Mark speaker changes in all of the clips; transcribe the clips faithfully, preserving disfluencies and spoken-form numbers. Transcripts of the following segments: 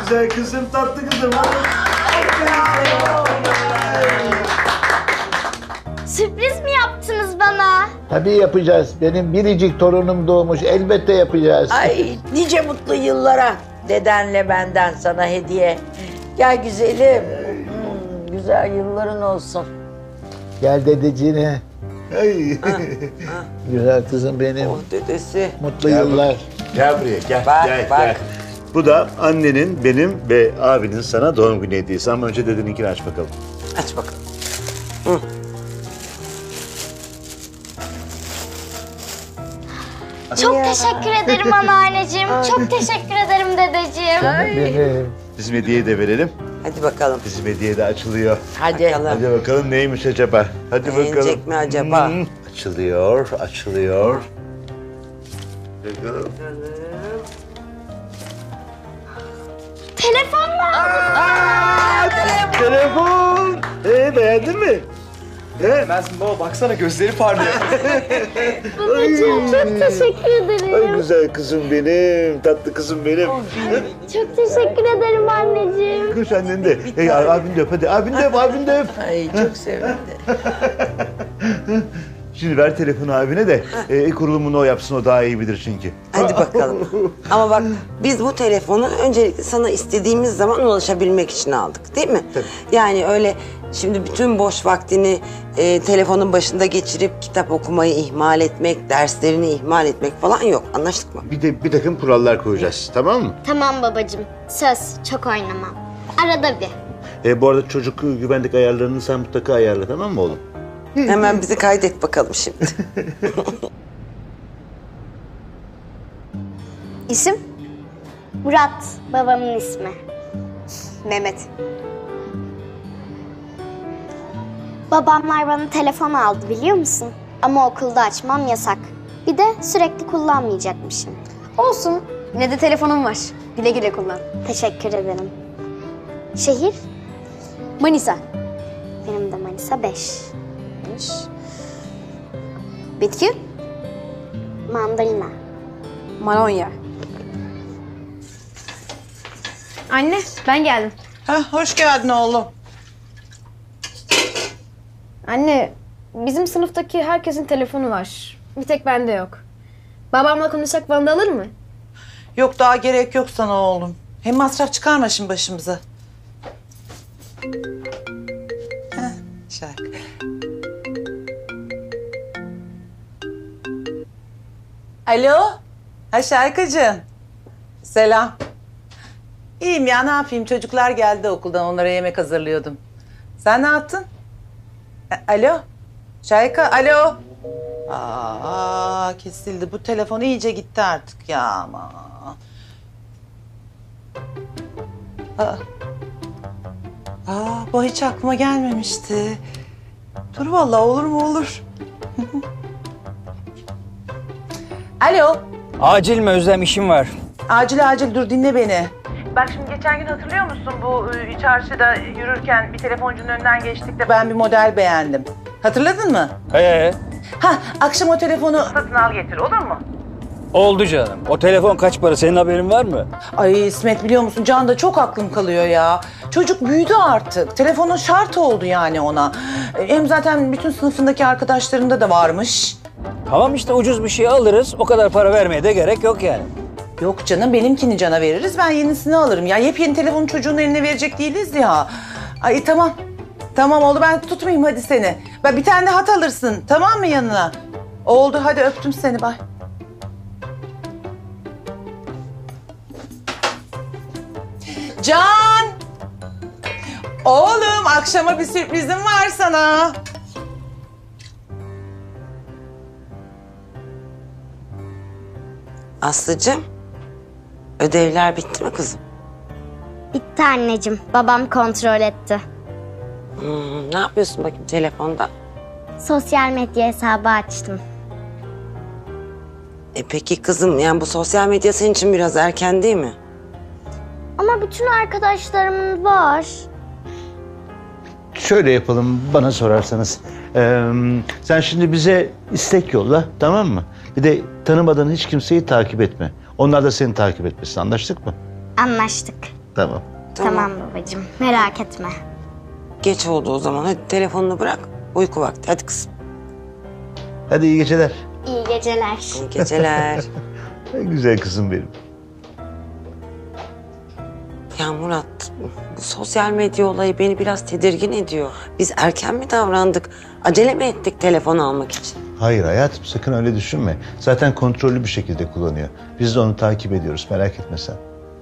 Speaker 1: güzel kızım, tatlı kızım.
Speaker 2: Sürpriz mi yaptınız bana?
Speaker 3: Tabii yapacağız. Benim biricik torunum doğmuş. Elbette yapacağız.
Speaker 4: Ay nice mutlu yıllara dedenle benden sana hediye. Gel güzelim. Hmm, güzel yılların olsun.
Speaker 3: Gel dedeciğine.
Speaker 1: Ay.
Speaker 3: Güzel kızım benim.
Speaker 4: Oh dedesi.
Speaker 3: Mutlu
Speaker 1: Gel
Speaker 3: yıllar.
Speaker 1: Gel buraya, gel,
Speaker 4: Bak,
Speaker 1: gel,
Speaker 4: bak.
Speaker 1: gel. Bu da annenin, benim ve abinin sana doğum günü hediyesi. Ama önce dedeninkini aç bakalım.
Speaker 4: Aç bakalım.
Speaker 2: Çok teşekkür ederim anneanneciğim. Çok teşekkür ederim dedeciğim.
Speaker 3: Benim.
Speaker 1: Bizim hediyeyi de verelim.
Speaker 4: Hadi bakalım.
Speaker 1: Bizim hediye de açılıyor.
Speaker 4: Hadi. Bakalım.
Speaker 1: Hadi bakalım neymiş acaba? Hadi bakalım.
Speaker 4: Beğenecek mi acaba?
Speaker 1: Hmm, Açılıyor, açılıyor. Bakalım.
Speaker 2: Telefon mu?
Speaker 1: Aa, telefon. Ee, beğendin mi? He?
Speaker 5: Bilmez baba, baksana gözleri parlıyor.
Speaker 2: Babacığım çok teşekkür
Speaker 1: Ay
Speaker 2: ederim.
Speaker 1: güzel kızım benim, tatlı kızım benim.
Speaker 2: Çok teşekkür ederim anneciğim.
Speaker 1: Koş annen de. Hey, abin de öp hadi. Abin de öp, abin de öp.
Speaker 4: Ay çok sevindi.
Speaker 1: Şimdi ver telefonu abine de e, kurulumunu o yapsın, o daha iyi bilir çünkü.
Speaker 6: Hadi bakalım. Ama bak biz bu telefonu öncelikle sana istediğimiz zaman ulaşabilmek için aldık değil mi?
Speaker 1: Tabii.
Speaker 6: Yani öyle şimdi bütün boş vaktini e, telefonun başında geçirip kitap okumayı ihmal etmek, derslerini ihmal etmek falan yok. Anlaştık mı?
Speaker 1: Bir de bir takım kurallar koyacağız, tamam mı?
Speaker 2: Tamam babacığım. Söz çok oynamam. Arada bir.
Speaker 1: E, bu arada çocuk güvenlik ayarlarını sen mutlaka ayarla, tamam mı oğlum?
Speaker 6: Hemen bizi kaydet bakalım şimdi.
Speaker 2: İsim? Murat. Babamın ismi. Mehmet. Babamlar bana telefon aldı biliyor musun? Ama okulda açmam yasak. Bir de sürekli kullanmayacakmışım.
Speaker 7: Olsun. Yine de telefonum var. Güle güle kullan.
Speaker 2: Teşekkür ederim. Şehir?
Speaker 7: Manisa.
Speaker 2: Benim de Manisa beş.
Speaker 7: Bitki?
Speaker 2: Mandalina.
Speaker 7: Malonya. Anne, ben geldim.
Speaker 8: Hah, hoş geldin oğlum.
Speaker 7: Anne, bizim sınıftaki herkesin telefonu var. Bir tek bende yok. Babamla konuşsak bana da alır mı?
Speaker 8: Yok daha gerek yok sana oğlum. Hem masraf çıkarma şimdi başımıza. Heh, şarkı. Alo? Ha Şarkıcığım. Selam. İyiyim ya ne yapayım çocuklar geldi okuldan onlara yemek hazırlıyordum. Sen ne yaptın? E, alo? Şayka alo? Aa kesildi bu telefon iyice gitti artık ya ama. Aa. Aa bu hiç aklıma gelmemişti. Dur vallahi olur mu olur. Alo.
Speaker 9: Acil mi Özlem, işim var.
Speaker 8: Acil acil dur dinle beni. Bak şimdi geçen gün hatırlıyor musun bu e, çarşıda yürürken bir telefoncunun önünden geçtik de ben bir model beğendim. Hatırladın mı?
Speaker 9: Ee,
Speaker 8: Ha akşam o telefonu satın al getir olur mu?
Speaker 9: oldu canım. O telefon kaç para, senin haberin var mı?
Speaker 8: Ay İsmet biliyor musun Can da çok aklım kalıyor ya. Çocuk büyüdü artık. Telefonun şart oldu yani ona. Hem zaten bütün sınıfındaki arkadaşlarında da varmış.
Speaker 9: Tamam işte, ucuz bir şey alırız. O kadar para vermeye de gerek yok yani.
Speaker 8: Yok canım benimkini Can'a veririz ben yenisini alırım. Ya yepyeni telefonu çocuğun eline verecek değiliz ya. Ay tamam. Tamam oldu ben tutmayayım hadi seni. Ben bir tane de hat alırsın tamam mı yanına? Oldu hadi öptüm seni bay. Can! Oğlum akşama bir sürprizim var sana.
Speaker 6: Aslıcığım, ödevler bitti mi kızım?
Speaker 2: Bitti anneciğim. Babam kontrol etti.
Speaker 6: Hmm, ne yapıyorsun bakayım telefonda?
Speaker 2: Sosyal medya hesabı açtım.
Speaker 6: E peki kızım yani bu sosyal medya senin için biraz erken değil mi?
Speaker 2: Ama bütün arkadaşlarımın var.
Speaker 1: Şöyle yapalım bana sorarsanız. Ee, sen şimdi bize istek yolla, tamam mı? Bir de tanımadığın hiç kimseyi takip etme. Onlar da seni takip etmesin, anlaştık mı?
Speaker 2: Anlaştık.
Speaker 1: Tamam.
Speaker 2: Tamam, babacığım, merak etme.
Speaker 6: Geç oldu o zaman. Hadi telefonunu bırak. Uyku vakti. Hadi kızım.
Speaker 1: Hadi iyi geceler.
Speaker 2: İyi geceler.
Speaker 6: İyi geceler.
Speaker 1: Güzel kızım benim.
Speaker 6: Ya Murat, bu sosyal medya olayı beni biraz tedirgin ediyor. Biz erken mi davrandık? Acele mi ettik telefon almak için?
Speaker 1: Hayır hayatım, sakın öyle düşünme. Zaten kontrollü bir şekilde kullanıyor. Biz de onu takip ediyoruz, merak etme sen.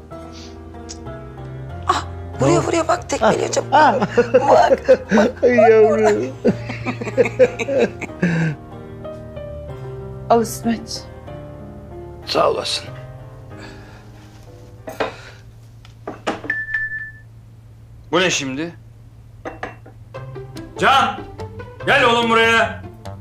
Speaker 6: Buraya buraya bak, tekmeliyor çabuk.
Speaker 1: Ay yavrum.
Speaker 8: Al İsmet.
Speaker 9: Sağ olasın. Bu ne şimdi? Can! Gel oğlum buraya.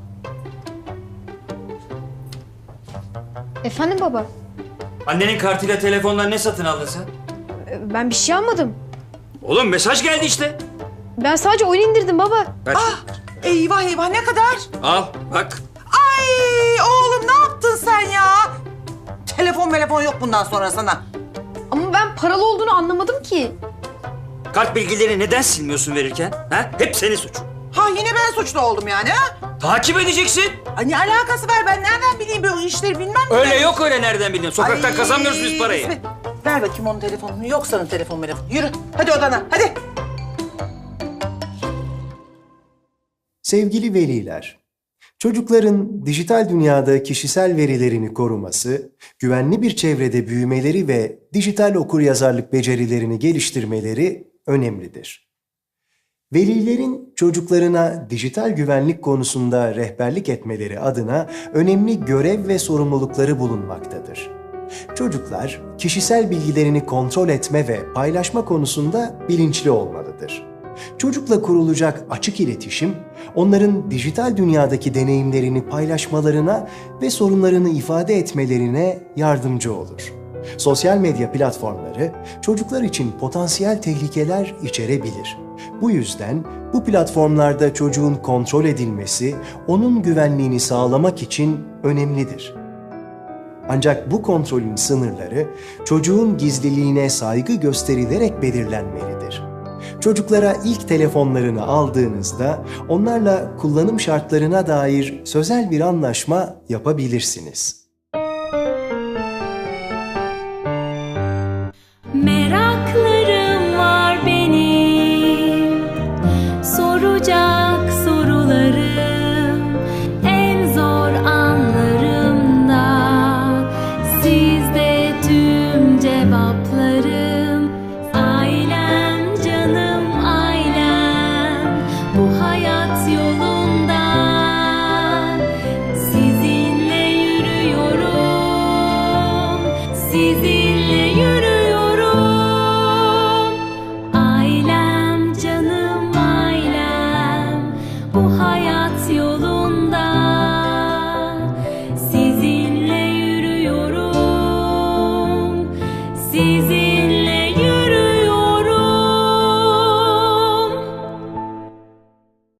Speaker 7: Efendim baba?
Speaker 9: Annenin kartıyla telefondan ne satın aldın sen?
Speaker 7: Ben bir şey almadım.
Speaker 9: Oğlum mesaj geldi işte.
Speaker 7: Ben sadece oyun indirdim baba.
Speaker 9: Ver.
Speaker 8: Eyvah eyvah ne kadar?
Speaker 9: Al bak.
Speaker 8: Ay oğlum ne yaptın sen ya? Telefon telefon yok bundan sonra sana.
Speaker 7: Ama ben paralı olduğunu anlamadım ki.
Speaker 9: Kart bilgilerini neden silmiyorsun verirken? Ha? Hep senin suçun.
Speaker 8: Ha yine ben suçlu oldum yani ha?
Speaker 9: Takip edeceksin.
Speaker 8: Ay ne alakası var, ben nereden bileyim böyle işleri bilmem mi?
Speaker 9: Öyle yok öyle, nereden biliyorsun? Sokaktan
Speaker 8: Ay,
Speaker 9: kazanmıyoruz biz parayı.
Speaker 8: İsmet, ver bakayım onun telefonunu. Yok senin telefon telefon. Yürü hadi odana hadi.
Speaker 10: Sevgili veliler, çocukların dijital dünyada kişisel verilerini koruması, güvenli bir çevrede büyümeleri ve dijital okuryazarlık becerilerini geliştirmeleri önemlidir. Velilerin çocuklarına dijital güvenlik konusunda rehberlik etmeleri adına önemli görev ve sorumlulukları bulunmaktadır. Çocuklar, kişisel bilgilerini kontrol etme ve paylaşma konusunda bilinçli olmalıdır. Çocukla kurulacak açık iletişim, onların dijital dünyadaki deneyimlerini paylaşmalarına ve sorunlarını ifade etmelerine yardımcı olur. Sosyal medya platformları çocuklar için potansiyel tehlikeler içerebilir. Bu yüzden bu platformlarda çocuğun kontrol edilmesi, onun güvenliğini sağlamak için önemlidir. Ancak bu kontrolün sınırları çocuğun gizliliğine saygı gösterilerek belirlenmelidir. Çocuklara ilk telefonlarını aldığınızda onlarla kullanım şartlarına dair sözel bir anlaşma yapabilirsiniz.
Speaker 11: Meraklarım var benim, soracak sorularım, en zor anlarımda sizde tüm cevaplarım. Ailem canım ailem, bu hayat yolunda sizinle yürüyorum, sizinle yürüyorum. Ailem canım ailem, bu hayat yolunda